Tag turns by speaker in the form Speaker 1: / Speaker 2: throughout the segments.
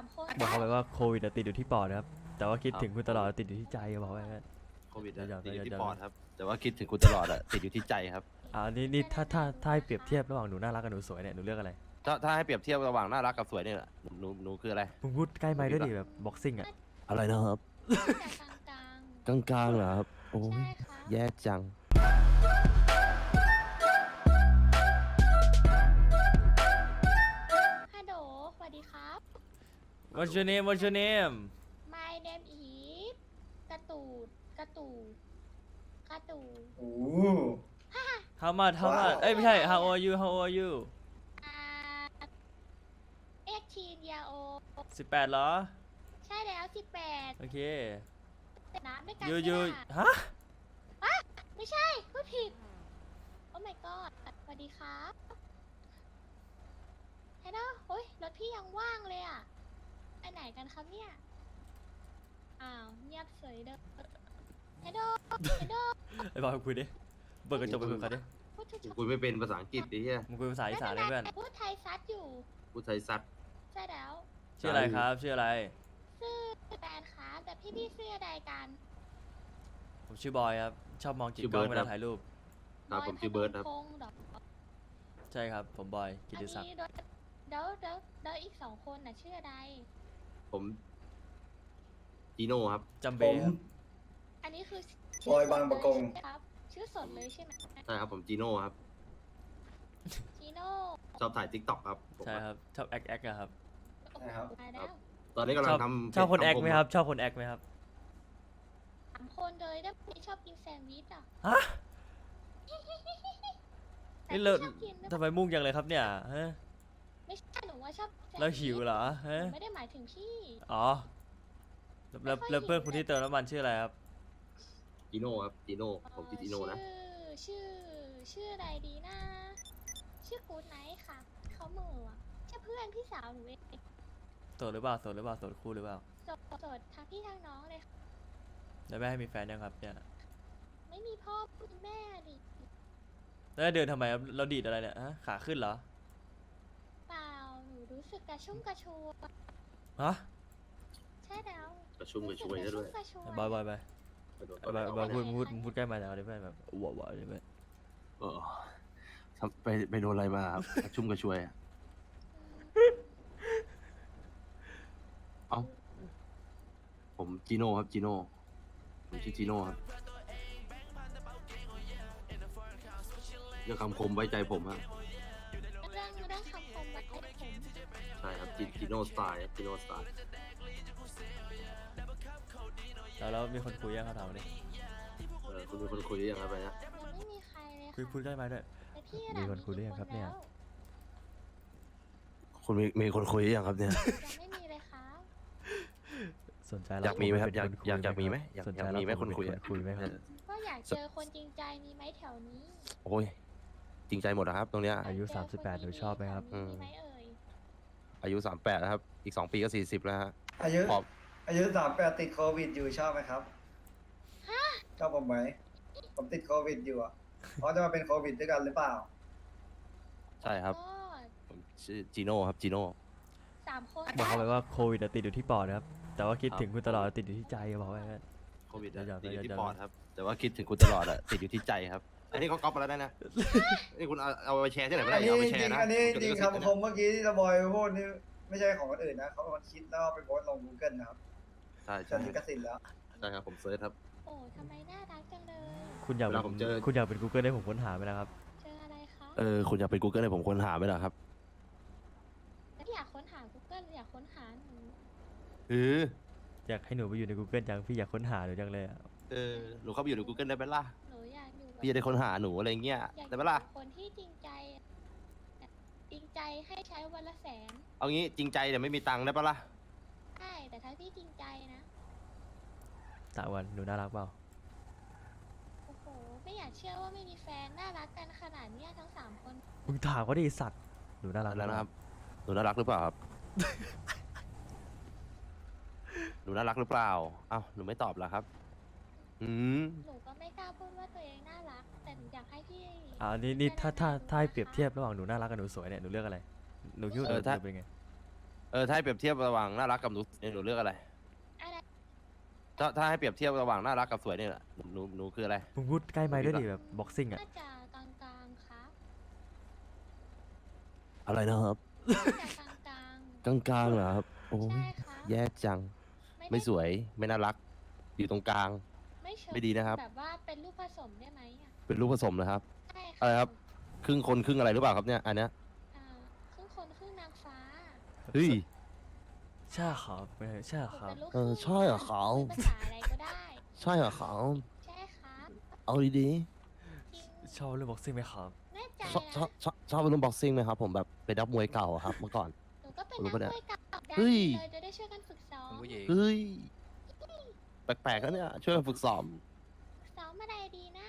Speaker 1: คน
Speaker 2: บอกเขาไปว่าโควิดติดอยู่ที่ปอดนะครับแต่ว่าคิดถึงคุณตลอดติดอยู่ที่ใจบอกไว้งั้น
Speaker 3: โควิด
Speaker 2: เดี๋ยว
Speaker 3: ติดอยู่ที่
Speaker 2: เดี๋ยว
Speaker 3: ปอดครับ แต่ว่าคิดถึงคุณตลอดอะติดอยู่ที่ใจครับ
Speaker 2: นี่ถ้าให้เปรียบเทียบระหว่างหนูน่ารักกับหนูสวยเนี่ยหนูเลือกอะไร
Speaker 3: ถ้าให้เปรียบเทียบระหว่างน่ารักกับสวยเนี่ยหนูคืออะไร
Speaker 2: มึงพูดใกล้ไมค์ด้วยดิแบบบ็อกซิ่งอ่ะ
Speaker 3: อะไรนะครับ
Speaker 1: แต่กลาง
Speaker 3: กลางๆเหรอครับ โอ้
Speaker 1: ๆ
Speaker 3: ย
Speaker 1: ใช่ค่ะ
Speaker 3: แย่จัง
Speaker 1: ฮัลโหลสวัสดีครับ
Speaker 2: What's your name What's your name
Speaker 1: My name is กระตูดกระตูดกระตูด
Speaker 4: โอ้
Speaker 2: How much How much เอ้ยไม่ใช่ How old are you How old are you
Speaker 1: 18 year old
Speaker 2: 18เหรอ
Speaker 1: ใช่แล้ว
Speaker 2: โอเค
Speaker 1: 18แต่น้ำด้วยกัน
Speaker 2: ยู
Speaker 1: ไม่
Speaker 2: ยู
Speaker 1: ได้
Speaker 2: ฮะ
Speaker 1: ไม่ใช่พูดผิด โอ้ my god สวัสดีครับฮัลโหลโอ้ยรถพี่ยังว่างเลยอ่ะ ไปไหนกันครับเนี่ย อ้าว เงียบเฉยเด้อฮัลโหลฮัลโหล
Speaker 2: ไอ้บอยคุยดิเปิดกระจกไปคุยกับเขาดิ
Speaker 1: พูดถูก
Speaker 3: คุยไม่เป็นภาษาอังกฤษดิเฮีย
Speaker 2: มึงคุยภาษาอีสานเลยเพื่อน
Speaker 1: พูดไทยซัดอยู่
Speaker 3: พูดไทยซัด
Speaker 1: ใช่แล้ว
Speaker 2: ชื่ออะไรครับชื่ออะไร
Speaker 1: ชื่อแฟนคะแต่พี่ชื่ออะไรกัน
Speaker 2: ผมชื่อบอยครับชอบมองจิกกล้องเวลาถ่ายรูป
Speaker 3: ครับผมชื่อเบิร์ดครับ
Speaker 1: พงษ์เหรอ
Speaker 2: ใช่ครับผมบอยกิ
Speaker 1: อัน
Speaker 2: ติศักดิ์
Speaker 1: นี้แล้วอีก2 คนน่ะชื่ออะไร
Speaker 3: ผมจีโน่ครับ
Speaker 2: จำ
Speaker 4: ผ
Speaker 2: เบ้
Speaker 4: ม
Speaker 2: ครับ
Speaker 1: อันนี้คือบ
Speaker 4: อยบางประกง
Speaker 1: ใช่ไหมครับ ชื่อสดเลยใช่ไหม
Speaker 3: ใช่ครับผมจีโน่ครับ
Speaker 1: จีโน่
Speaker 3: ชอบถ่ายทิกตอกครับผม
Speaker 2: ใช่ครับชอบแอคอะครับ
Speaker 1: โอ้
Speaker 4: ใช่ครับ
Speaker 1: ตายแล้ว
Speaker 3: ตอนนี้กำลั
Speaker 2: ช
Speaker 3: ง
Speaker 2: อบ
Speaker 3: ทำ
Speaker 2: ชอบคนแอค
Speaker 3: ทำผม
Speaker 2: ไหมครับชอบคนแอคไหมครับ
Speaker 1: 3 คนเลยแล้วพี่ชอบกินแซนด์วิชอ่ะ
Speaker 2: ฮะ
Speaker 1: แต่
Speaker 2: นี่
Speaker 1: พี่
Speaker 2: เรา
Speaker 1: ชอบกินหรือเป
Speaker 2: ทำ
Speaker 1: ล่า
Speaker 2: ไมมุ่งจังเลยครับเนี่ยฮะ
Speaker 1: ไม่ใช่หนูว่าชอบแซนด์
Speaker 2: เราหิวเหรอ
Speaker 1: ห
Speaker 2: ฮะ
Speaker 1: นูไม่ได้หมายถึงพี่
Speaker 2: อ๋อแล้วเพื่อนคนที่เติมน้ำมันชื่ออะไรครับ
Speaker 3: จีโน่ครับจีโน่ผมชื่อจีโน่นะ
Speaker 1: ชื่ออะไรดีนะ ชื่อกูดไนท์ค่ะ เขาเหม่ออะใช่เพื่อนพี่สาวหนูเอง
Speaker 2: โสดหรือเปล่าโสดหรือเปล่าโสดคู่หรือเปล่า
Speaker 1: โสดทั้งพี่ทั้งน้องเลยค่ะ
Speaker 2: แล้วแม่ให้มีแฟนยังครับเนี่ย
Speaker 1: ไม่มีพ่อไม่มีแม่ดิ
Speaker 2: แล้วเดินทำไมครับเราดีดอะไรเนี่ยฮะขาขึ้นเหรอ
Speaker 1: เปล่าหนูรู้สึกกระชุ่มกระชวย
Speaker 2: ฮะ
Speaker 1: ใช่แล้ว
Speaker 3: กระชุ่มกระชวยซะด้วย
Speaker 1: รู้สึกกระชุ่มกระชวย
Speaker 2: บอยไป
Speaker 3: กระโดด
Speaker 2: บอยพูดใกล้มาแล้วดิเพื่อนแบบว้าวดิเพื่อน
Speaker 3: เออทำไปโดนอะไรมาครับกระชุ่มกระชวยอะเอ้าผมจีโน่ครับจีโน่ผมชื่อจีโน่ครับเรื่องคำคมไว้ใจผมครับ
Speaker 1: เรื่องคำคมไว้ผม
Speaker 3: ใช่ครับจีโน่สไตล์จีโน่สไตล์
Speaker 2: แล้วมีคนคุยยังเขาถามดิ
Speaker 3: คุณมีคนคุยหรือยังครับไปนะ
Speaker 1: ยังไม่มีใครเลย
Speaker 2: คุย
Speaker 1: ค่ะ
Speaker 2: พูดใกล้มาด้วย
Speaker 1: แต่พี่
Speaker 2: มีคนคุยหรือยังครับเนี่ย
Speaker 3: คุณมีคนคุยหรือยังครับเนี่ย
Speaker 1: ยังไม่มีเลยค่ะ
Speaker 2: สนใจ
Speaker 3: อยากมีไหมครับ
Speaker 2: เป็นน
Speaker 3: อยากมีไหมอยาก
Speaker 2: สนใจ
Speaker 3: อยากมีไหม
Speaker 2: รับ
Speaker 3: คนคุย
Speaker 2: เป็นคุยไหมครับ
Speaker 1: ก็อยากเจอคนจริงใจมีไหมแถวนี้
Speaker 3: โอ้ยจริงใจหมดนะครับ ตรงเนี้ย
Speaker 2: อายุ
Speaker 1: เจคน
Speaker 2: 38หนูชอบไหมครับ
Speaker 1: แถวนี้มีไหมเอ่ย
Speaker 3: อายุ38แล้วครับ อีก2 ปีก็40แล้วฮะ
Speaker 4: อายุ
Speaker 3: ขอบ
Speaker 4: อายุ38ติดโควิดอยู่ชอบไหมครับชอบผมไหมผมติดโควิดอยู่อ่ะเขาจะมาเป็นโควิดด้วยกันหรือเปล่า
Speaker 3: ใช่ครับ
Speaker 1: ก็
Speaker 3: ผมชื่อจีโน่ครับจีโน่
Speaker 1: 3 คน
Speaker 2: บอกเขาไปว่าโควิดติดอยู่ที่ปอดนะครับแต่ว่าคิดถึงคุณตลอดติดอยู่ที่ใจบอกไว้งั้น
Speaker 3: โควิด
Speaker 2: เดี๋ยว
Speaker 3: ติดอยู่ที่
Speaker 2: เดี๋ยว
Speaker 3: ปอดครับ แต่ว่าคิดถึงคุณตลอดอะติดอยู่ที่ใจครับ อันนี้เขาก๊อปมาแล้วนะนี่คุณเอาไปแชร์ที่ไหนไม่
Speaker 4: อั
Speaker 3: ได้
Speaker 4: นนี้
Speaker 3: เอาไป
Speaker 4: จ
Speaker 3: แช
Speaker 4: ริ
Speaker 3: ร์
Speaker 4: ง
Speaker 3: นะ
Speaker 4: ๆอันนี้
Speaker 3: ผม
Speaker 4: จริง
Speaker 3: จะ
Speaker 4: คำคมเมื่อกี้ที่ตะบอยพูดนี่ไม่ใช่ของคนอื่นนะเขาเป็นคนคิดแล้วเอาไปโพสต์ลง Google นะครับ
Speaker 3: ใช่
Speaker 4: จะ
Speaker 3: ใช่
Speaker 4: ลิขสิทธิ์แล้ว
Speaker 3: ใช่ครับผมเซิร์ชครับ
Speaker 1: โอ้ทำไมน่ารักจังเลย
Speaker 2: คุณอยาก
Speaker 3: เวลาผมเจอ
Speaker 2: คุณอยากเป็น Google ให้ผมค้นหาไหมนะครับ
Speaker 1: เจออะไรคะ
Speaker 3: คุณอยากเป็น Google ให้ผมค้นหาไหมล่ะครับ
Speaker 1: แล้วอยากค้นหา Google หรืออยากค้นหาหนู
Speaker 2: อยากให้หนูไปอยู่ใน Google จังพี่อยากค้นหาหนูจังเลยอะ
Speaker 3: หนูเข้าไปอยู่ใน Google ได้ไหมล่ะ
Speaker 1: หนูอยากอยู่กับ
Speaker 3: พี่จะได้ค้นหาหนูอะไรเงี้ย
Speaker 1: อยากอ
Speaker 3: ได้
Speaker 1: ยู่
Speaker 3: ไหมล่ะ
Speaker 1: กับคนที่จริงใจจริงใจให้ใช้วันละ100,000
Speaker 3: เอางี้จริงใจแต่ไม่มีตังค์ได้ปะล่ะ
Speaker 1: ใช่แต่ถ้าพี่จริงใจนะ
Speaker 2: ตะวันหนูน่ารักเปล่า
Speaker 1: โอ้โหไม่อยากเชื่อว่าไม่มีแฟนน่ารักกันขนาดเนี้ยทั้ง3 คน
Speaker 2: มึงถามเขาดิสัตว์หนูน่ารัก
Speaker 3: แล้วนะครับ หนูน่ารักหรือเปล่าครับ หนูน่ารักหรือเปล่าเอ้าหนูไม่ตอบล่ะครับ
Speaker 1: หนูก็ไม่กล้าพูดว่าตัวเองน่ารัก แต่หนูอยากให้พี่
Speaker 2: นี่ถ้าให้เปรียบเทียบระหว่างหนูน่ารักกับหนูสวยเนี่ยหนูเลือกอะไรหนูคิดว่าหนูเป็นไง
Speaker 3: ถ้าให้เปรียบเทียบระหว่างน่ารักกับหนูหนูเลือกอะไร
Speaker 1: อะไร
Speaker 3: ถ้าให้เปรียบเทียบระหว่างน่ารักกับสวยเนี่ยหนูคืออะไร
Speaker 2: มึงพูดใกล้ไมค์ด้วยดิแบบบ็อกซิ่งอ่ะ
Speaker 1: น่าจะกลางๆครับ
Speaker 3: อะไรนะครับ
Speaker 1: น่าจะกลาง
Speaker 3: กลางๆเหรอครับโอ้
Speaker 1: ๆ
Speaker 3: ย
Speaker 1: ใช่ครับ
Speaker 3: แย่จัง
Speaker 1: ด้
Speaker 3: ไม่สวยไม่น่ารัก อยู่ตรงกลาง
Speaker 1: ไม่เชิง
Speaker 3: ไม่ดีนะครับ
Speaker 1: แบบว่าเป็นลูกผสมได้ไหมอ่ะ
Speaker 3: เป็นลูกผสมนะครับ
Speaker 1: ใช่
Speaker 3: อะไรครับ ครึ่งคนครึ่งอะไรหรือเปล่าครับเนี่ยอันเนี้ย
Speaker 1: อ่าครึ่งคนครึ่งนางฟ้า
Speaker 3: เฮ้ย
Speaker 2: ใช่ครับไม่ใช่
Speaker 1: ผม
Speaker 2: ครับ
Speaker 1: เป็นลูก
Speaker 3: เออใช่เหรอเขา
Speaker 1: เป็นภาษาอะไรก็ได้
Speaker 3: ใช่เหรอเขา
Speaker 1: ใช่ครับ
Speaker 3: เอาดี
Speaker 1: จริง
Speaker 2: ชอบเล่นบ็อกซิ่งไหมครับ
Speaker 1: แน่ใจ
Speaker 3: ๆชอบชอบ
Speaker 1: นะ
Speaker 3: ชอบเป็นรุ่นบ็อกซิ่งไหมครับผมแบบเป็นนักมวยเก่าอะครับเมื่อก่อน
Speaker 1: หนูก็เป็น
Speaker 3: รู้
Speaker 1: นัก
Speaker 3: ปะเนี่ย
Speaker 1: มวยเก่าได้
Speaker 3: เฮ้ย
Speaker 1: เลยจะได้ช่วยกันฝึกซ้อม
Speaker 5: คุณผู้หญิง
Speaker 3: เฮ้ยแปลกๆแล้วเนี่ยช่วยกันฝึกซ้อม
Speaker 1: ซ้อมอะไรดีนะ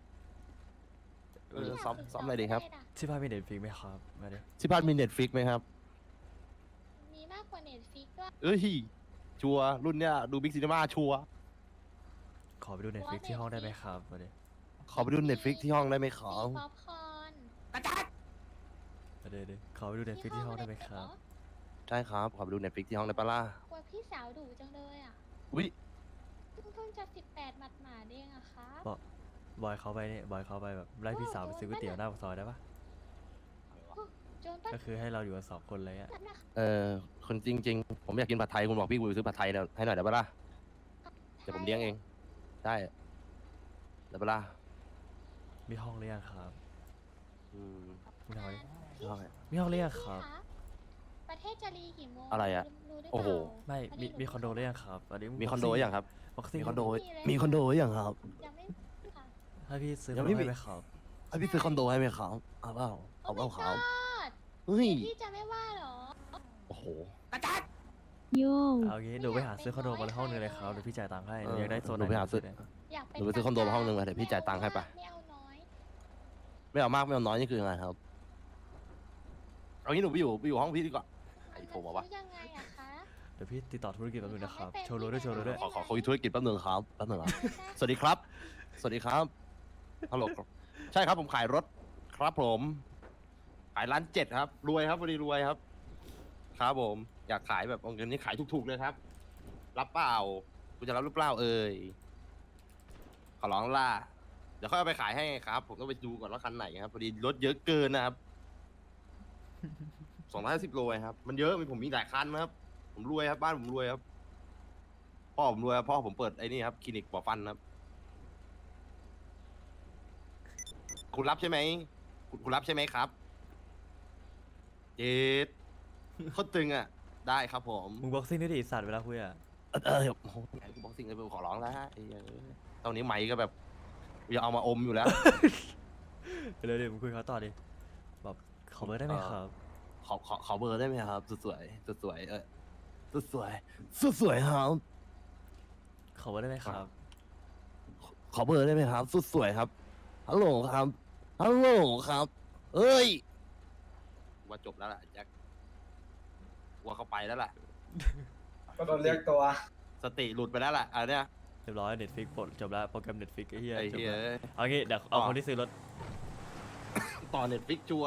Speaker 3: เออซ้อมอะไรดีครับ
Speaker 1: ล่ะ
Speaker 2: ที่บ้านมีเน็ตฟลิกไหมครับมาดิ
Speaker 3: ที่บ้านมีเน็ตฟิกไหมครับ
Speaker 1: มีมากกว่าเน็ตฟิกด้วย
Speaker 3: เอ้ยชัวร์รุ่นเนี้ยดูบิ๊กซีนีมาชัวร์
Speaker 2: ขอไปดูเน็ตฟลิกที่ห้องได้ไหมครับมาดิ
Speaker 3: ขอไปดูเน็ตฟิกที่ห้องได้ไหมขอ
Speaker 1: มีป๊อปคอร์น
Speaker 2: มาดิขอไปดูเน็ตฟลิกที่ห้องได้ไหมครับ
Speaker 3: ใช่ครับขอไปดูเน็ตฟิกที่ห้องได้ปะล่ะ
Speaker 1: กลัวพี่สาวดุจังเลยอ่ะ
Speaker 3: อุ้ย
Speaker 1: เพิ่งจะ18หมาดๆเองอะครับ
Speaker 2: บอยเขาไปเนี่ยบอยเขาไปแบบไล่พี่สาวไปซื้อก๋วยเตี๋ยวหน้าปากซอยได้ปะ
Speaker 1: โจนป้า
Speaker 2: ก็คือให้เราอยู่กันสองคนเลยอ่ะ
Speaker 1: จับนะคะ
Speaker 3: คนจริง ๆ ผมอยากกินผัดไทยคุณบอกพี่กูไปซื้อผัดไทยให้หน่อยได้ปะล่ะเดี๋ยวผมเลี้ยงเองได้ได้ปะล่ะ
Speaker 2: มีห้องหรือยังครับ
Speaker 3: อืม
Speaker 2: มึงทำอะไร
Speaker 1: พี่
Speaker 3: ได้
Speaker 2: มีห้องหรือยังครับ
Speaker 1: ประเทศจะรีกี่โมง
Speaker 3: อะไรอะ
Speaker 1: รู้หรือเปล่า
Speaker 3: โอ้โห
Speaker 2: ไม่
Speaker 1: พ
Speaker 2: มี
Speaker 1: ห
Speaker 2: มีคอนโดหรือยังครับอันนี้
Speaker 3: มีคอนโดหรือยังครับ
Speaker 2: บ็อกซิ่ง
Speaker 3: มีคอนโด
Speaker 1: ไม่มีเลย
Speaker 3: มีคอนโดหรือยังครับ
Speaker 1: ยังไม่ค่ะ
Speaker 2: ให้พี่ซื้อ
Speaker 3: ยัง
Speaker 2: มา
Speaker 3: ไม่มี
Speaker 2: ให้ไหมครับ
Speaker 3: ให้พี่ซื้อคอนโดให้ไหมครับเอาเปล่าเอาเปล่าครับ
Speaker 1: โอ้ my god
Speaker 3: เฮ้ย
Speaker 1: พี่จะไม่ว่าเหรอ
Speaker 3: โอ้โห
Speaker 6: โย่
Speaker 2: เอางี้หนูไปหาซื้อคอนโดมาห้องนึงเลยครับเดี๋ยวพี่จ่ายตังค์ให้หนูอยากได้โซนไห
Speaker 3: หนูไปหาซื้อ
Speaker 2: เนี่ย
Speaker 1: อยากเป็น
Speaker 3: หนูไปซื้อคอนโดมาห้องนึงเลยเดี๋ยวพี่จ่ายตังค์ให้ปะ
Speaker 1: ไม่เอาน้อย
Speaker 3: ไม่เอามากไม่เอาน้อยนี่คือยังไงครับเอางี้หนูไปอยู่ห้องพี่ดีกว่าไอ้โทรมาวะ
Speaker 1: ซื้อยังไงอะคะ
Speaker 2: เดี๋ยวพี่ติดต่อธุรกิจแป๊บนึงนะครับ
Speaker 1: ไม่เป็น
Speaker 2: โชว์รูด้วยโชว์รูด้วย
Speaker 3: ขอคุยธุรกิจแป๊บนึงครับแป๊บนึงครับ
Speaker 1: ได้
Speaker 3: สวัสดีครับ สวัสดีครับฮัลโหลครับใช่ครับผมขายรถครับผมขายร้าน7ครับรวยครับพอดีรวยครับ ครับผม อยากขายแบบเอาเงินนี้ขายถูกๆเลยครับ รับเปล่าคุณจะรับหรือเปล่าเอ่ยขอร้องล่ะเดี๋ยวค่อยเอาไปขายให้ครับ ผมต้องไปดูก่อนว่าคันไหนครับพอดีรถเยอะเกินนะครับ 250 โลครับ มันเยอะผมมีหลายคันนะครับ ผมรวยครับ บ้านผมรวยครับ พ่อผมรวยครับพ่อผมเปิดไอ้นี่ครับคลินิกปอฟันครับ คุณรับใช่ไหมคุณรับใช่ไหมครับ เจ็ดโคตรตึงอ่ะ ได้ครับผม
Speaker 2: มึงบ็อกซิ่งด้วยดิไอ้สัตว์เวลาคุยอ่ะ
Speaker 3: โอ้โหไอ้กูบอกสิ่งเลยผมขอร้องแล้วฮะไอ้เหี้ยตอนนี้ไมค์ก็แบบอยากเอามาอมอยู่แล้ว
Speaker 2: เร็วๆมึงคุยเขาต่อดิแบบขอเบอร์ได้ไหมครับ
Speaker 3: ขอเบอร์ได้ไหมครับสุดสวยสุดสวยสุดสวยสุดสวยครับ
Speaker 2: ขอเบอร์ได้ไหมครับ
Speaker 3: ขอเบอร์ได้ไหมครับ สุดสวยครับฮัลโหลครับฮัลโหลครับ เอ้ยว่าจบแล้วล่ะแจ็คว่าเขาไปแล้วล่ะ
Speaker 4: ก็โดนเรียกตัว
Speaker 3: สติหลุดไปแล้วล่ะอันเนี้ย
Speaker 2: เรียบร้อยเน็ตฟิกปลดจบแล้วโปรแกรมเน็ตฟิกไอ้เหี้ย
Speaker 3: ไอ้
Speaker 2: จบ
Speaker 3: เหี้ย
Speaker 2: แล้วเอางี้เดี๋ยวเอาคนที่ซื้อรถ
Speaker 3: ต่อเน็ตฟิกชัวร์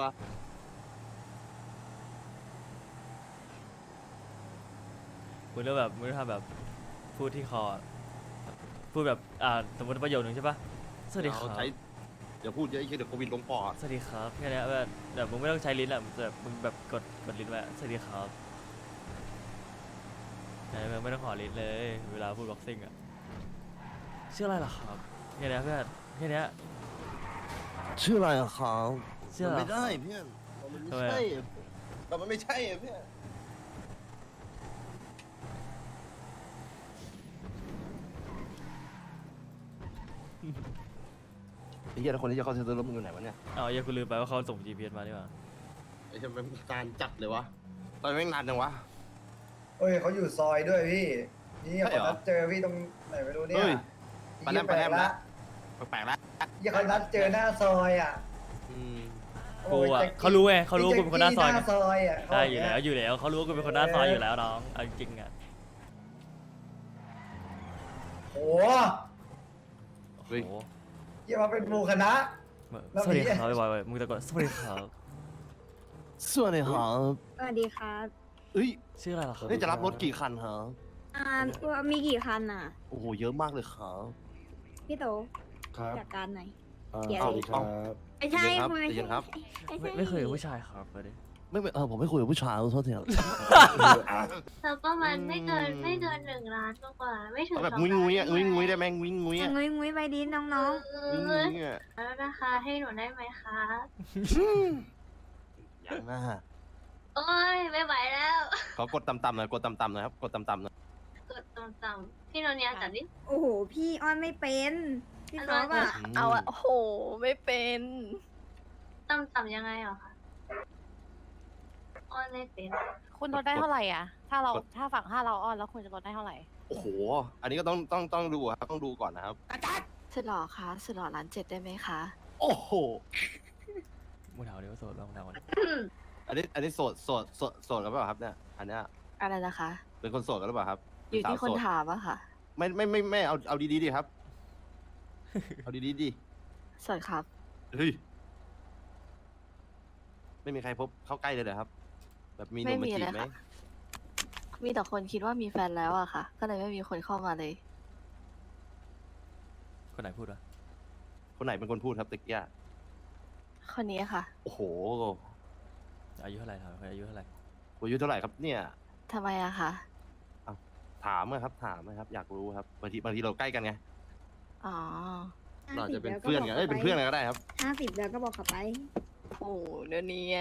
Speaker 2: มึงเลือกแบบมึงทำแบบพูดที่คอพูดแบบสมมติประโยคนึงใช่ปะสวัสดีครับ
Speaker 3: ใช้เดี๋ยวพูดเยอะไอ้เหี้ยเดี๋ยวโควิดลงปอด
Speaker 2: สวัสดีครับแค่เนี้ยแบบมึงไม่ต้องใช้ลิ้นอ่ะแบบมึงแบบกดลิ้นไว้สวัสดีครับมึงไม่ต้องขอลิ้นเลย เวลาพูดบ็อกซิ่งอ่ะชื่ออะไรล่ะครับแค่เนี้ยเพื่อนแค่เนี้ย
Speaker 3: ชื่ออะไรอะครับ
Speaker 2: ชื่ออะไร
Speaker 3: ไม่ได้เพื่อนมันไม่
Speaker 2: ทำไมอะ
Speaker 3: ใช่แต่มันไม่ใช่อะเพื่อนไอ้เหี้ยแล้วคนที่จะเข้าเซ็นเตอร์รถมึงอยู่ไหนวะเนี่ย
Speaker 2: เอาอย่ากูลืมไปว่าเขาส่ง GPS มาดีกว่า
Speaker 3: ไอ้เหี้ยมันการจัดเลยวะตอนแม่งนานจังวะ
Speaker 4: เฮ้ยเขาอยู่ซอยด้วยพี่ นี่
Speaker 3: ใช่
Speaker 4: เขา
Speaker 3: เหรอ
Speaker 4: นัดเจอพี่ตรงไหนไม่รู้เนี่
Speaker 3: เฮ้
Speaker 4: ย
Speaker 3: ย ปะแนม
Speaker 4: แปลก
Speaker 3: ละ
Speaker 4: ละ
Speaker 3: แปลกๆแล้ว
Speaker 4: ยี่เขานัดเจอหน้าซอยอ่ะ
Speaker 3: อืม
Speaker 2: กูอ่ะ
Speaker 4: โยแจ็ค
Speaker 2: เขารู้ไงเขารู้ว่ากูเป็นคนหน้าซอย
Speaker 4: ห
Speaker 2: ไง
Speaker 4: น้าซอยอ่ะเขา
Speaker 2: ได้
Speaker 4: บก
Speaker 2: อยู่
Speaker 4: เงี้
Speaker 2: แล้วอยู่แล้วเขารู้ว่ากูเป็นคนหน้าซอยอยู่แล้วน้องเอาจริงๆอ่ะ
Speaker 4: โอ้
Speaker 3: เฮ้ย
Speaker 2: โอ้โห
Speaker 4: ยี่มาเป็นหมู่คณะ แล้ว
Speaker 2: สวัสดี
Speaker 4: มี
Speaker 2: ครับบอยๆมึงตะโกนสวัสดีครับ
Speaker 3: สวัสดีครับ
Speaker 6: สวัสดีครับ
Speaker 3: เอ้ย
Speaker 2: ชื่ออะไรล่ะครับ
Speaker 3: นี่จะรับรถกี่คันฮะ
Speaker 6: มีกี่คันอ่ะ
Speaker 3: โอ้โหเยอะมากเลยครับ
Speaker 6: พี่โต
Speaker 5: ครับ
Speaker 6: จัดการหน่อย
Speaker 5: อ่า
Speaker 6: เดี๋ยว
Speaker 5: สวัสดีครับ
Speaker 6: ไม่ใช่
Speaker 3: เดี๋ยวครับ
Speaker 2: ไม่เคยกับผู้ชายครับเลย
Speaker 3: ไม่ผมไม่คุยกับผู้ชายขอโทษทีครับ
Speaker 7: แล้วก็มันไม่เกิน1 ล้านกว่าไม่ถึง
Speaker 3: เอาแบบ
Speaker 7: 2
Speaker 3: งุ้ยงุ้ย
Speaker 7: ล้าน
Speaker 3: อ่ะงุ้ยงุ้ยได้ไหมงุ้ยงุ้ยอ่ะ
Speaker 6: งุ้ยงุ้ยไปดิน้อง
Speaker 7: เอ
Speaker 3: งุ้ยงุ้
Speaker 7: อย
Speaker 3: อ่ะ
Speaker 7: แล้วราคาให้หนูได้ไหมคะ
Speaker 3: อย่างน่า
Speaker 7: โอ้ยไม่ไหวแล้ว
Speaker 3: เขากดต่ำๆหน่อยกดต่ำๆหน่อยครับกดต่ำๆหน่อย
Speaker 7: กดต่ำๆพี่โนเนียจัดดิ
Speaker 6: ๆ โอ้โห พี่อ้อนไม่เป็น พี่ซอฟอ่ะ
Speaker 8: เอาอะโอ้โห ไม่เป็น
Speaker 7: ต่ำๆยังไงเหรอคะอ้อนไม่เป็น
Speaker 8: คุณลดได้เท่าไหร่อ่ะ ถ้าเราฝั่งเราอ้อนแล้วคุณจะลดได้เท่าไหร่
Speaker 3: โอ้โห อันนี้ก็ต้องดูครับต้องดูก่อนนะครับ
Speaker 8: สุดหล่อคะสุดหล่อ1.7 ได้ไหมคะ
Speaker 3: โอ้โห
Speaker 2: มึงถามเดี๋ยวโสดลองถามก่อน
Speaker 3: อันนี้โสดกันเปล่าครับเนี่ยอันเนี้ย
Speaker 8: อะไรนะคะ
Speaker 3: เป็นคนโสดกันหรือเปล่าครับ
Speaker 8: อยู่ที่
Speaker 3: สว
Speaker 8: คน
Speaker 3: โสด
Speaker 8: ถามอะค่ะ
Speaker 3: ไม่เอาดีๆดิครับ เอาดีๆดิ
Speaker 8: สวัสดีครับ
Speaker 3: เฮ้ยไม่มีใครพบเข้าใกล้เลยเหรอครับ แบบมีหนุ่มมาจีบไหม
Speaker 8: มีแต่คนคิดว่ามีแฟนแล้วอะค่ะ ก็เลยไม่มีคนเข้ามาเลย
Speaker 2: คนไหนพูดวะ
Speaker 3: คนไหนเป็นคนพูดครับตะกี้อะ
Speaker 8: คนนี้ค่ะ
Speaker 3: โอ้โห
Speaker 2: อายุเท่าไหร่ถามคนอายุเท่าไหร่
Speaker 3: อายุเท่าไหร่ครับเนี่ย
Speaker 8: ทำไมอะคะ
Speaker 3: ถามนะครับถามนะครับ อยากรู้ครับบางทีเราใกล้กันไง
Speaker 8: อ๋อ
Speaker 3: เราอาจจะเป็นเพื่อนกันเป็นเพื่อนกันก็ได้ครับ
Speaker 6: 50แล้วก็บอกเขาไป
Speaker 8: โอ้โหเดี๋ยวนี้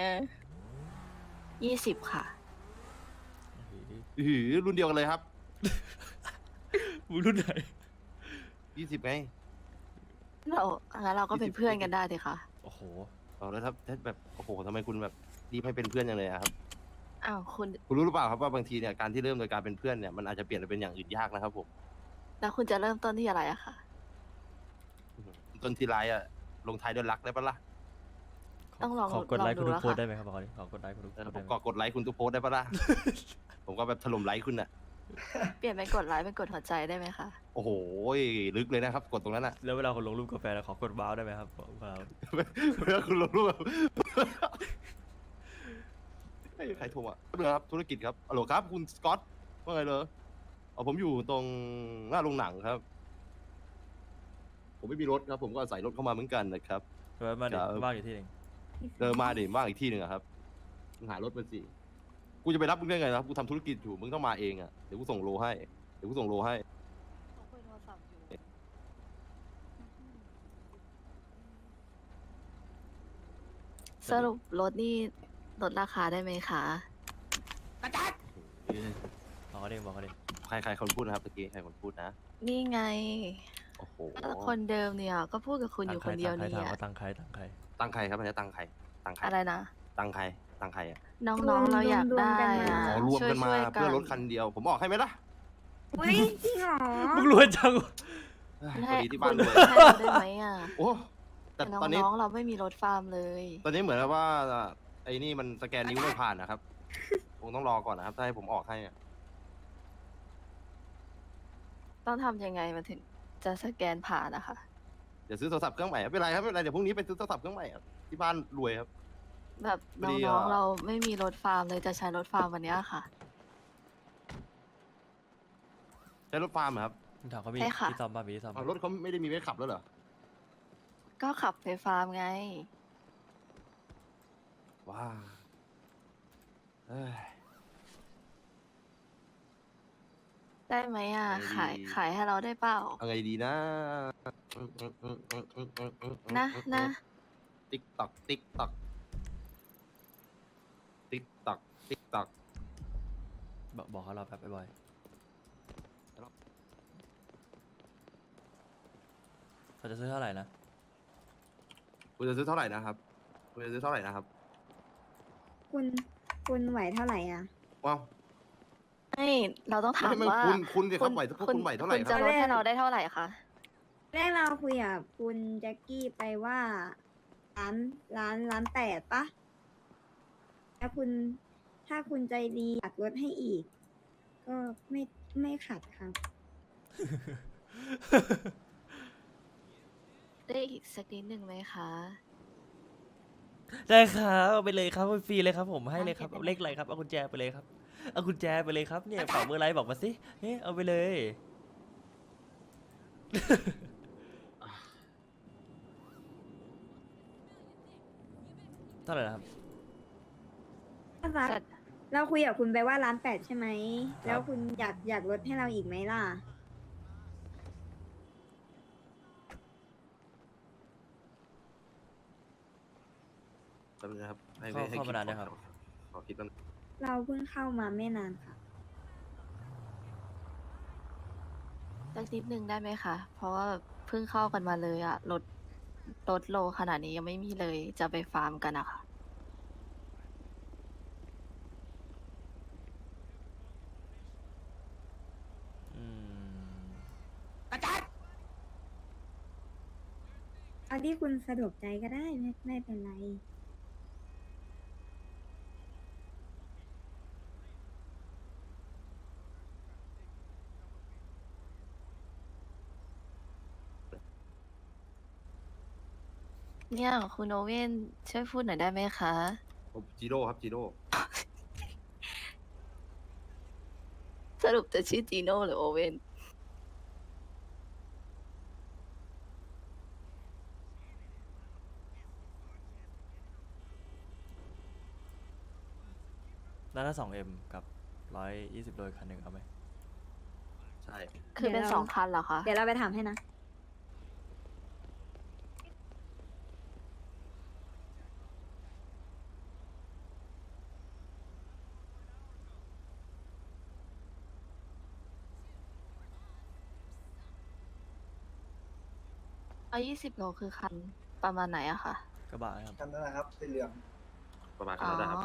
Speaker 8: 20 ค่ะ
Speaker 3: หือรุ่นเดียวกันเลยครับ
Speaker 2: มึงรุ่นไหน
Speaker 3: 20ไง
Speaker 8: งั้นเราก็เป็นเพื่อนกันได้สิคะ
Speaker 2: โอ้โห
Speaker 3: เอาแล้วถ้าแบบโอ้โหทำไมคุณแบบรีบให้เป็นเพื่อนอย่างเลยอะครับ
Speaker 8: อ้าวคุณ
Speaker 3: คุณรู้หรือเปล่าครับว่าบางทีเนี่ยการที่เริ่มโดยการเป็นเพื่อนเนี่ยมันอาจจะเปลี่ยนไปเป็นอย่างอื่นยากนะครับผม
Speaker 8: แล้วคุณจะเริ่มต้นที่อะไรอะคะ
Speaker 3: ต้นทีไรอะลงท้ายด้วยรักได้ปะล่ะ
Speaker 8: ต้องลอง
Speaker 2: ขอกดไลค์
Speaker 8: ลองดู
Speaker 2: คุณทุก
Speaker 8: แล้ว
Speaker 2: โพสต์
Speaker 8: ค่ะ
Speaker 2: ได้ไหมครับบอกดิขอกดไลค์คุณทุกโพ
Speaker 3: แล้
Speaker 2: ส
Speaker 3: ว
Speaker 2: ต์
Speaker 3: ผ
Speaker 2: ได้
Speaker 3: ม
Speaker 2: ไหม
Speaker 3: ก็กดไลค์คุณทุกโพสต์ได้ปะล่ะ ผมก็แบบถล่มไลค์คุณอะ
Speaker 8: เปลี่ยนเป็นกดไลค์เป็นกดหัวใจได้ไหมคะ
Speaker 3: โอ้โหลึกเลยนะครับ กดตรงนั้นอะ
Speaker 2: แล้วเวลาคนลงรูปกาแฟแล้วขอกดว้าวได้ไหมครับบอกว้าว
Speaker 3: เวลาคุณลงรูปแบบเฮ้ยใครโทรอ่ะเรื่องครับธุรกิจครับฮัลโหลครับคุณสกอตว่าไงเลยผมอยู่ตรงหน้าโรงหนังครับ ผมไม่มีรถครับ ผมก็อาศัยรถเข้ามาเหมือนกันนะครับ
Speaker 2: เดี๋ยวมาดิ
Speaker 3: ครับ
Speaker 2: ว่างอยู่ที่หนึ่ง
Speaker 3: เดินมาดิว่างอีกที่หนึ่งอะครับมึงหารถมาสิกูจะไปรับมึงได้ไงนะครับกูทำธุรกิจอยู่มึงต้องมาเองอ่ะเดี๋ยวกูส่งโลให้เดี๋ยวกูส่งโลให้
Speaker 8: ผมคุยโทรศัพท์อยู่ สรุปรถนี่ลดราคาได้ไหมคะ
Speaker 2: บอกเขาดิบอกเขาดิ
Speaker 3: ใครคนพูดนะครับตะกี้ใครคนพูดนะ
Speaker 8: นี่ไง
Speaker 3: โอ้โห
Speaker 8: คนเดิมเนี่ย ก็พูดกับคุณอยู่คนเดียว
Speaker 2: ตั้งใคร
Speaker 8: เนี่
Speaker 2: ถาม
Speaker 8: ย
Speaker 2: ว่าตั้งใครตั้งใคร
Speaker 3: ตั้งใครครับอันนี้ตั้งใครตั้งใคร
Speaker 8: อะไรนะ
Speaker 3: ตั้งใครตั้งใครอ่ะ
Speaker 8: น้องๆเราอยากได้
Speaker 6: รวมๆกันมา
Speaker 8: อะ
Speaker 3: อ๋อรวมกันมา
Speaker 8: ช่วยๆ
Speaker 3: เพื่อรถคันเดียว ผมออกให้ไหมล่ะ
Speaker 6: เฮ้ย จริงเหรอ
Speaker 2: มึงรวยจังวะ
Speaker 3: พอดีที่บ้านรวย
Speaker 8: ให้เราได้ไหมอ่ะ
Speaker 3: โอ้แต่
Speaker 8: แต่
Speaker 3: ตอนนี้
Speaker 8: น้องๆเราไม่มีรถฟาร์มเลย
Speaker 3: ตอนนี้เหมือนกับว่าไอ้นี่มันสแกนนิ้วไม่ผ่านนะครับคงต้องรอก่อนนะครับถ้าให้ผมออกให้อะ
Speaker 8: ต้องทำยังไงมันถึงจะสแกนผ่านนะคะ
Speaker 3: เดี๋ยวซื้อโทรศัพท์เครื่องใหม่ไม่เป็นไรครับไม่เป็นไรเดี๋ยวพรุ่งนี้ไปซื้อโทรศัพท์เครื่องใหม่ครับที่บ้านรวยครับ
Speaker 8: แบบ
Speaker 3: พอดี
Speaker 8: น้อง
Speaker 3: อะ
Speaker 8: ๆเราไม่มีรถฟาร์มเลยจะใช้รถฟาร์มวันเนี้ยค่ะ
Speaker 3: ใช้รถฟาร์มเหรอครับ
Speaker 2: มึงถามเขามี
Speaker 8: ใช่ค่ะ
Speaker 2: ที่ซ่อมบ้างมีที่ซ่อม
Speaker 3: อ้าวรถเขาไม่ได้มีไว้ขับแล้วเหรอ
Speaker 8: ก็ขับไปฟาร์มไง
Speaker 3: ว้าเอ้ย
Speaker 8: ได้ไหมอ่ะ
Speaker 3: ไม่
Speaker 8: ขายให้เราได้เปล่า
Speaker 3: เอาไงดีนะ
Speaker 8: นะ
Speaker 3: ติ๊กตักติ๊กตักติ๊กตักติ๊กตัก
Speaker 2: บอกเขาเราแบบบ่อยๆเขาจะซื้อเท่าไหร่นะ
Speaker 3: คุณจะซื้อเท่าไหร่นะครับคุณจะซื้อเท่าไหร่นะครับ
Speaker 6: คุณไหวเท่าไหร่อ่ะ
Speaker 3: ว้าว
Speaker 8: ไม่เราต้องถาม
Speaker 3: ไม่
Speaker 8: ว่า
Speaker 3: คุณสิครับไหวคุณไหวเท่าไหร่
Speaker 8: คุณ
Speaker 3: ค
Speaker 8: จะ
Speaker 3: รับ
Speaker 8: ลดให้เราได้เท่าไหร่คะ
Speaker 6: แรกเราคุยกับคุณแจ็คกี้ไปว่าล้าน8ปะถ้าคุณใจดีอยากลดให้อีก ก็ไม่ขัดครับ
Speaker 8: ได้อีกสักนิดหนึ่งไหมคะ
Speaker 2: ได้ครับเอาไปเลยครับฟรีเลยครับผมให้เลยครับเอาเลขอะไรครับเอากุญแจไปเลยครับเอากุญแจไปเลยครับเนี่ยฝากเบอร์ไลน์บอกมาสิเฮ้ยเอาไปเลย เท่าไหร่นะครับ
Speaker 6: รักเราคุยกับคุณไปว่า1.8 ล้านใช่ไหม
Speaker 2: ครับ
Speaker 6: แล้วคุณอยากลดให้เราอีกไหมล่ะ
Speaker 3: แป๊บนึงนะครับให้
Speaker 2: เข้ามานานยังครับ
Speaker 3: ขอคิดกันง
Speaker 6: เราเพิ่งเข้ามาไม่นานค่ะ
Speaker 8: สักนิดนึงได้ไหมคะ เพราะว่าเพิ่งเข้ากันมาเลยอะลดโลขนาดนี้ยังไม่มีเลย จะไปฟาร์มกันอะค่ะ
Speaker 2: อืม
Speaker 6: เอาที่คุณสะดวกใจก็ได้ไม่เป็นไร
Speaker 8: เนี่ยคุณโอเว่นช่วยพูดหน่อยได้ไหมคะ
Speaker 3: ผมจิโร่ครับจิโร่
Speaker 8: สรุปจะชื่อจีโน่หรือโอเว่น
Speaker 2: ด้านละ2M กับ120โดยคันหนึ่งเอาไหม
Speaker 3: ใช่
Speaker 8: คือเป็น
Speaker 6: เดี๋ยวเรา
Speaker 8: 2 คันเหรอคะ
Speaker 6: เดี๋ยวเราไปถามให้นะ
Speaker 8: 20 โลคือคันประมาณไหนอะคะ
Speaker 2: กระบะนะครับ
Speaker 4: คันนั้นนะครับสีเหลือง
Speaker 3: ประมาณ
Speaker 8: อ๋
Speaker 3: นั้นนะครับ
Speaker 8: อ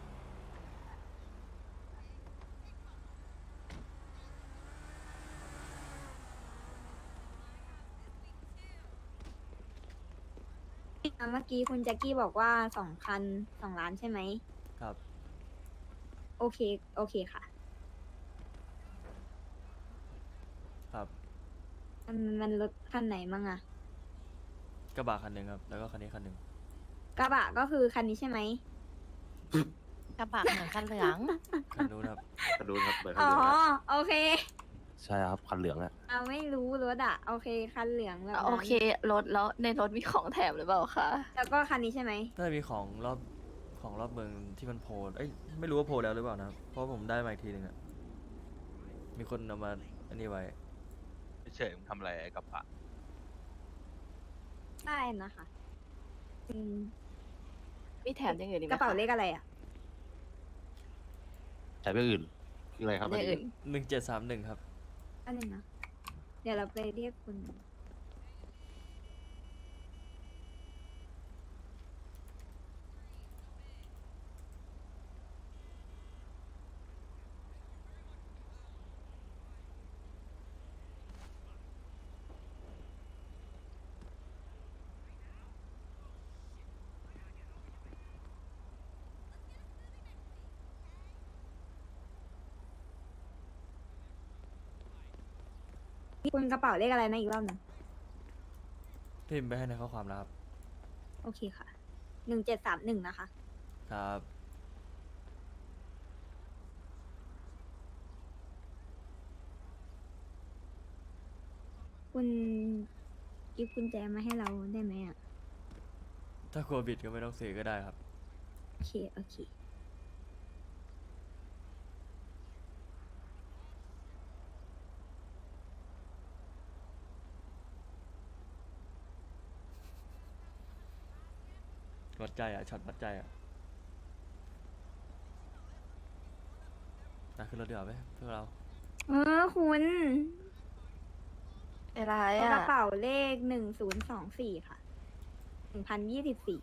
Speaker 6: เมื่อกี้คุณแจ็คกี้บอกว่า2 คัน 2 ล้านใช่ไหม
Speaker 2: ครับ
Speaker 6: โอเค โอเคค่ะ
Speaker 2: ครับ
Speaker 6: มันลดคันไหนมั่งอะ
Speaker 2: กระบะคันหนึ่งครับ แล้วก็คันนี้คันหนึ่ง
Speaker 6: กระบะก็คือคันนี้ใช่ไหม
Speaker 8: กระบะเหมือนคันเหลือง
Speaker 2: คันนู้นครับ
Speaker 3: คันนู้นครับเบอร์คัน
Speaker 6: อ๋อ
Speaker 3: เหลืองครับ
Speaker 6: โอเค
Speaker 3: ใช่ครับคันเหลืองอะ
Speaker 6: เราไม่รู้รถอะโอเค คันเหลืองแบบนั้น
Speaker 8: โอเครถแล้วในรถมีของแถมหรือเปล่าคะ
Speaker 6: แล้วก็คันนี้ใช่ไหม
Speaker 2: น่าจะมีของรอบเมืองที่มันโพลเอ้ยไม่รู้ว่าโพลแล้วหรือเปล่านะครับ เพราะผมได้มาอีกทีหนึ่งอะมีคนเอามาอันนี้ไว้
Speaker 5: เฉยๆมึงทำอะไรไอ้กับปะ
Speaker 6: ได้นะคะอืม
Speaker 8: มีแถมอย่างอื่นอีกไห
Speaker 6: ก
Speaker 8: ม
Speaker 6: ระเป๋า
Speaker 8: ค
Speaker 6: เลขอะไรอะ
Speaker 3: ใช้ไปอื่นคืออะไรครับ
Speaker 8: อย่างอื่น
Speaker 2: 1731ครับ
Speaker 6: อันนึงนะ เดี๋ยวเราไปเรียกคุณ คุณกระเป๋าเลขอะไรนะอีกรอบหนึ่ง
Speaker 2: พิมพ์ไปให้ในข้อความแล้วครับ
Speaker 6: โอเคค่ะ 1731นะคะ
Speaker 2: ครับ
Speaker 6: คุณกิฟต์กุญแจมาให้เราได้ไหมอ่ะ
Speaker 2: ถ้ากลัวบิดก็ไม่ต้องซื้อก็ได้ครับ
Speaker 6: โอเค โอเค
Speaker 2: วัดใจอ่ะช็อตวัดใจอ่ะนะขึ้นรถเดี๋ยวาไหมเพื่อเรา
Speaker 6: คุณ
Speaker 8: อะไร
Speaker 6: ก
Speaker 8: อะ
Speaker 6: ระเป๋าเลข1024ค่ะ1024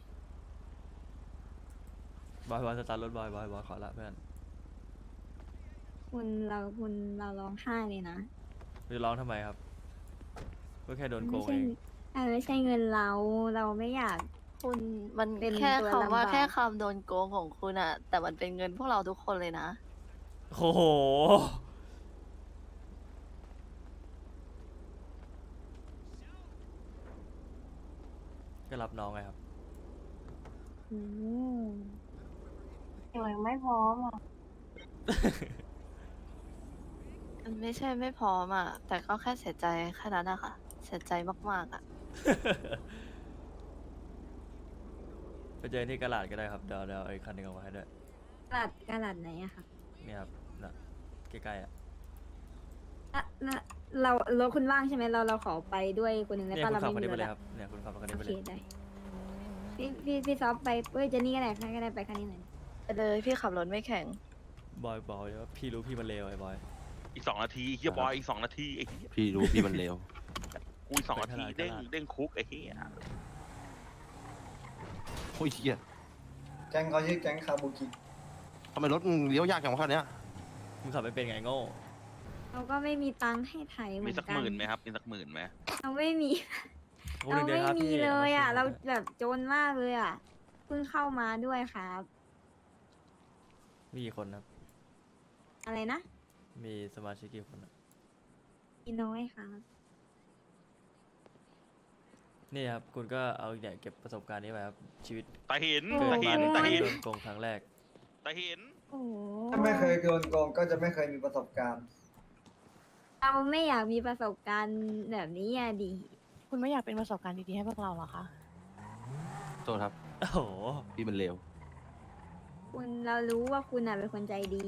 Speaker 2: บอยสตาร์ทรถบอยขอละเพื่อน
Speaker 6: คุณเราร้องไห้เลยนะ
Speaker 2: จะร้องทำไมครับ ก็แค่โดนโก
Speaker 6: ไม่
Speaker 2: ง
Speaker 6: ใช่
Speaker 2: เอง
Speaker 6: ไม่ใช่เงินเราไม่อยาก
Speaker 8: คุณมัน
Speaker 6: เป็น
Speaker 8: แค่
Speaker 6: ตัว
Speaker 8: คำว่า
Speaker 6: ลำบาก
Speaker 8: แค่คำโดนโกงของคุณอะแต่มันเป็นเงินพวกเราทุกคนเลยนะ
Speaker 2: โอ้โห ก็รับน้องไงครับ
Speaker 6: โอ้
Speaker 7: ยังไม่พร้อมอ่ะ
Speaker 8: มันไม่ใช่ไม่พร้อมอ่ะ แต่ก็แค่เสียใจแค่นั้นอะค่ะ เสียใจมากๆอ่ะ
Speaker 2: ไปเจอที่กระดาษก็ได้ครับเดี๋ยวไอ้คันหนึงเอามาให้ด้วย
Speaker 6: กระดาษไหนอะค่ะ
Speaker 2: เนี่ยครับน่ะใกล้ๆอ่ะ
Speaker 6: แล้วเรารถคุณว่างใช่ไหมเราขอไปด้วยคนหนึ่งได้
Speaker 2: เนี่ย
Speaker 6: ป่ะ
Speaker 2: คุณ
Speaker 6: เรา
Speaker 2: ขับ
Speaker 6: ไม่
Speaker 2: คัน
Speaker 6: มี
Speaker 2: นี้
Speaker 6: ร
Speaker 2: ไป
Speaker 6: ถ
Speaker 2: เลย
Speaker 6: อะ
Speaker 2: ครับเนี่ยคุณขับคันนี้
Speaker 6: โอ
Speaker 2: ไป
Speaker 6: เค
Speaker 2: เลย
Speaker 6: ได้พี่ซอฟไปเจนนี่ก็ได้ไปคันนี้หน่อย
Speaker 8: ไปเลยพี่ขับรถไม่แข็ง
Speaker 2: บอยบอกเลยว่าพี่รู้พี่มันเลวไอ้บอย
Speaker 5: อีก2 นาทีเฮียบอยอีก2 นาทีไอ้เหี้ย
Speaker 3: พี่รู้พี่มันเลว
Speaker 5: กูอีก2 นาทีเด้งคุกไอ้เหี้ย
Speaker 3: โอ้ยเหี้ย
Speaker 4: แก๊งเขาชื่อแก๊งคาบุกิ
Speaker 3: ทำไมรถมึงเลี้ยวยากจังวะคันเนี้ย
Speaker 2: มึงขับไม่เป็นไงโง่
Speaker 6: เราก็ไม่มีตังค์ให้ไถเหมื
Speaker 5: มี
Speaker 6: อน
Speaker 5: สัก
Speaker 6: กั
Speaker 5: ห
Speaker 6: น
Speaker 5: มื่นไหมครับมีสัก10,000ไหม
Speaker 6: เราไม่มี
Speaker 2: โอ้
Speaker 6: เรา
Speaker 2: เดี๋ยว
Speaker 6: ไม่
Speaker 2: ครับ
Speaker 6: มี
Speaker 2: พี่
Speaker 6: เลยอ่ะ
Speaker 2: ม
Speaker 6: เรา
Speaker 2: ช่วย
Speaker 6: แบบจนมากเลยอ่ะ เพิ่งเข้ามาด้วยครับ
Speaker 2: มีกี่คนครับ
Speaker 6: อะไรนะ
Speaker 2: มีสมาชิกกี่คนอะ
Speaker 6: มีน้อยครับ
Speaker 2: นี่ครับคุณก็เอาเนี่ยเก็บประสบการณ์นี้ไปครับชีวิต
Speaker 5: ตาเห็น
Speaker 6: โอ้
Speaker 2: เกิด
Speaker 5: ตา
Speaker 2: มา
Speaker 5: เห็น
Speaker 2: ใน
Speaker 5: ตา
Speaker 2: การ
Speaker 5: เห็น
Speaker 2: โดนโกงครั้งแรก
Speaker 5: ตาเห็น
Speaker 6: โอ้โห
Speaker 4: ถ้าไม่เคยโดนโกงก็จะไม่เคยมีประสบการณ์
Speaker 6: เราไม่อยากมีประสบการณ์แบบนี้อ่ะดิ
Speaker 9: คุณไม่อยากเป็นประสบการณ์ดีๆให้พวกเราเหรอคะ
Speaker 3: โทษครับ
Speaker 2: โอ้โห
Speaker 3: พี่มันเลว
Speaker 6: คุณเรารู้ว่าคุณอ่ะเป็นคนใจดี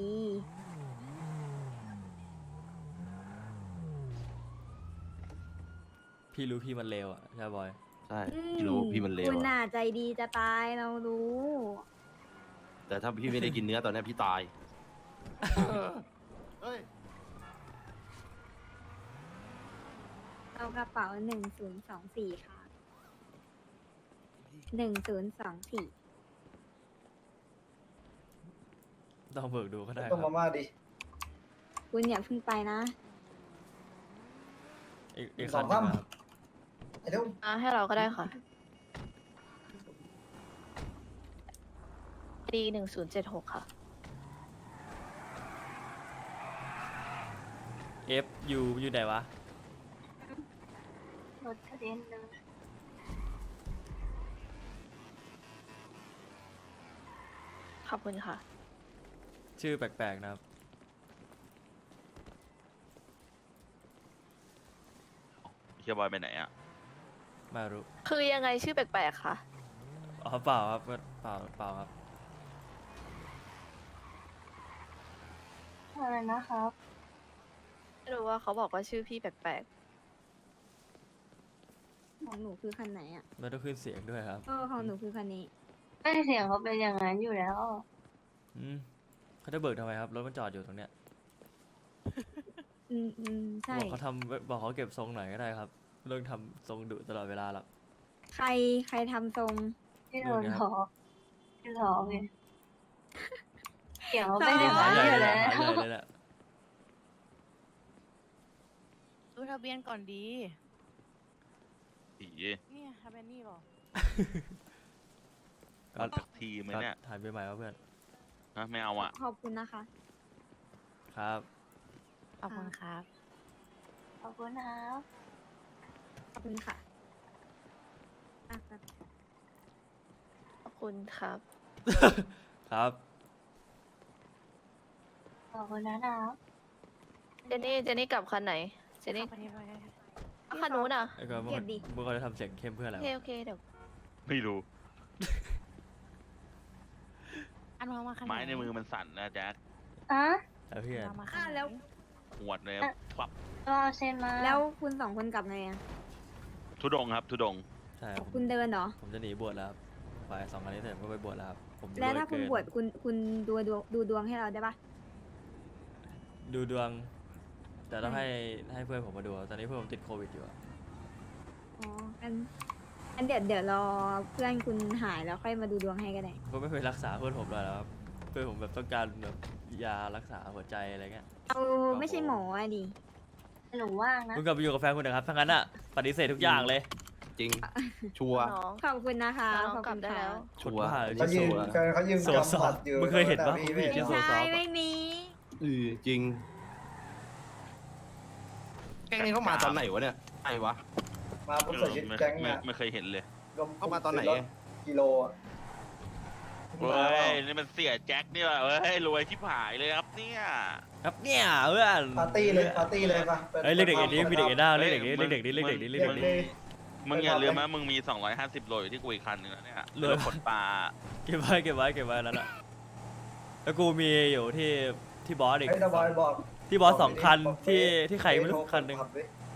Speaker 2: พี่รู้พี่มันเลวอ่ะใช่บอย
Speaker 3: ใช่พี่รู้พี่มันเลว
Speaker 6: คุณ
Speaker 3: อะ
Speaker 6: น่ะใจดีจะตายเรารู้
Speaker 3: แต่ถ้าพี่ไม่ได้กินเนื้อตอนเนี้ยพี่ตายเฮ้ย
Speaker 6: เอากระเป๋า1024ค่ะ1024
Speaker 2: ต้องเบิกดูก็ได้ค
Speaker 4: ต้อง
Speaker 2: รับ
Speaker 4: มาม่าดิ
Speaker 6: คุณอย่าเพิ่งไปนะ
Speaker 2: อีกคันหนึงนะครับ
Speaker 4: ไอ้เดี๋ยว
Speaker 8: ให้เราก็ได้ค่ะดี1076 ค่ะ
Speaker 2: F U อยู่ไหนวะ
Speaker 7: รถกระเด็นเลย
Speaker 8: ขอบคุณค่ะ
Speaker 2: ชื่อแปลกๆนะครับ
Speaker 5: เฮียบอยไปไหนอ่ะ
Speaker 2: ไม่รู้
Speaker 8: คือยังไงชื่อแปลกๆค่ะ
Speaker 2: อ๋อเปล่าครับก็เปล่าครับ
Speaker 7: อะไรนะครับ
Speaker 8: ไม่รู้ว่าเขาบอกว่าชื่อพี่แปลก
Speaker 6: ของหนูคือคันไหนอ่ะ
Speaker 2: ไม่ต้องขึ้นเสียงด้วยครับ
Speaker 6: ของหนูคือคันนี้
Speaker 7: ไม่เสียงเขาเป็นอย่างนั้นอยู่แล้ว
Speaker 2: อืมเขาจะเบิกทำไมครับรถมันจอดอยู่ตรงเนี้ย
Speaker 6: ใช่
Speaker 2: บอกเขาบอกเขาเก็บทรงหน่อยก็ได้ครับไม่ต้องทำทรงดุตลอดเวลาหรอก
Speaker 6: ใครทำทรง
Speaker 7: ที่โดน
Speaker 2: นู่นไงครับ
Speaker 7: ล้อที่ล้อไงเสียงเขาเป็นอย่าง
Speaker 2: หา
Speaker 7: นั้น
Speaker 2: ใหญ่
Speaker 7: อยู่
Speaker 2: เลย
Speaker 7: แล้ว
Speaker 2: หาใหญ่เลยแหละ
Speaker 9: ดูทะเบียนก่อนดี
Speaker 5: ผี
Speaker 9: เนี่ยทะเบียนนี่บอก
Speaker 2: ก็
Speaker 5: สักทีไหมเนี่ย
Speaker 2: ถ่ายไปใหม่ครับเพื่อน
Speaker 5: ฮะไม่เอาอ่ะ
Speaker 6: ขอบคุณนะคะ
Speaker 2: ครับ
Speaker 9: ขอบคุณครับ
Speaker 7: ขอบคุณนะครับ
Speaker 6: ขอบคุณค่ะ
Speaker 8: ๆ ขอบคุณครับ
Speaker 2: ครับ
Speaker 7: ขอบคุณนะครับ
Speaker 8: เจนนี่กลับคันไหน เจนนี่
Speaker 9: ขับไปที่ไป
Speaker 8: คันนู้นอ่ะ
Speaker 2: ไอ้ก็
Speaker 6: เก็บดิ
Speaker 2: มึงเขาจะทำเสียงเข้มเพื่ออะไร
Speaker 8: โอ
Speaker 2: วะ
Speaker 8: เคเดี๋ยว
Speaker 5: ไม่รู้
Speaker 9: อันวางมาคันไหน
Speaker 5: ไม้ในมือมันสั่นนะแจ็ค
Speaker 7: อ่ะ
Speaker 2: แล้วเพื่อน
Speaker 9: วางมาคันไหน
Speaker 6: แล้ว
Speaker 5: หวดเลยปับ
Speaker 7: ก็เอาเซ็นมา
Speaker 6: แล้วคุณ2 คนกลับไงอ่ะ
Speaker 5: ทุดงครับทุดง
Speaker 2: ใช่ครับ
Speaker 6: คุณเดินเหรอ
Speaker 2: ผมจะหนีบวชแล้วครับไป2 อันนี้เสร็จผมก็ไปบวชแล้วครับผม
Speaker 6: แล้วถ้าคุณ
Speaker 2: รย
Speaker 6: บวชคุณดูดวงให้เราได้ปะ
Speaker 2: ดูดวง แต่ต้องให้เพื่อนผมมาดูครับตอนนี้เพื่อนผมติดโควิดอยู่อะ
Speaker 6: อ๋ออันเดี๋ยวรอเพื่อนคุณหายแล้วค่อยมาดูดวงให้ก็ได้
Speaker 2: ก็ไม่ไปรักษาเพื่อนผมเลยแล้วครับเพื่อนผมแบบต้องการแบบยารักษาหัวใจอะไรเงี้ย
Speaker 6: เราไม่ใช่หมออ่ะดิ
Speaker 7: หนูว่างนะ
Speaker 2: คุณกลับไปอยู่กับแฟนคุณนะครับทั้งนั้นอะปฏิเสธทุกอย่างเลย
Speaker 3: จริง ชัวร์
Speaker 8: น้อง
Speaker 6: ขอบคุณนะคะ
Speaker 8: น้อง
Speaker 6: ขอบ
Speaker 8: กลั
Speaker 6: คุ
Speaker 8: บ
Speaker 6: ณ
Speaker 8: ได้
Speaker 6: ค่ะ
Speaker 8: แล้ว
Speaker 3: ชัวร์
Speaker 4: เขายืนเขายืน
Speaker 2: โซซอฟ
Speaker 4: กำบัตรอยู่
Speaker 2: มึงเคยเห็นปะ
Speaker 4: พี่
Speaker 2: ผู้หญิง
Speaker 4: ไม่
Speaker 2: ชื่อโซ
Speaker 6: ใช่
Speaker 2: ซอฟอะ
Speaker 6: ไม่มี
Speaker 3: จริง แก๊งนี้เขามาตอนไหนวะเนี่ยไอ้วะ
Speaker 4: มาผมใส่ชุดแก๊งนะ
Speaker 5: ไม่เคยเห็นเลย
Speaker 3: เข้ามาตอนไหน
Speaker 4: รถกิโลอะ
Speaker 5: เฮ้ยนี่มันเสียแจ็คนี่ว่ะเฮ้ยรวยที่ผายเลยครับเนี่ย
Speaker 2: ครับเนี่ยเพื่อน
Speaker 4: ปาร์ตี้เลยปาร์ตี้เลยปะ
Speaker 2: เอ้ยเรียกเด็กนี้มีเด็กเอ็นด้าเรียกเด็กนี้เรียกเด็กนี้เรียกเด็กนี้เรียก
Speaker 4: เรีย
Speaker 2: เด็
Speaker 4: ก
Speaker 2: ก
Speaker 4: เล
Speaker 2: นี้
Speaker 4: ย
Speaker 5: มึงอย่าลืมนะมึงมี 250 โลอยู่ที่กูอีกคันนึงแล้วเนี่ย
Speaker 2: เหลือ
Speaker 5: รถขนปลา
Speaker 2: เก็บไว้เก็บไว้เก็บไว้แล้วน่ะแล้วกูมีอยู่ที่บอสอีก
Speaker 4: ให้ตาบอยบอก
Speaker 2: ที่บอสสองคัน
Speaker 4: บอก
Speaker 2: ที่ใครไม่รู้คันหนึ่ง
Speaker 4: ขับดิ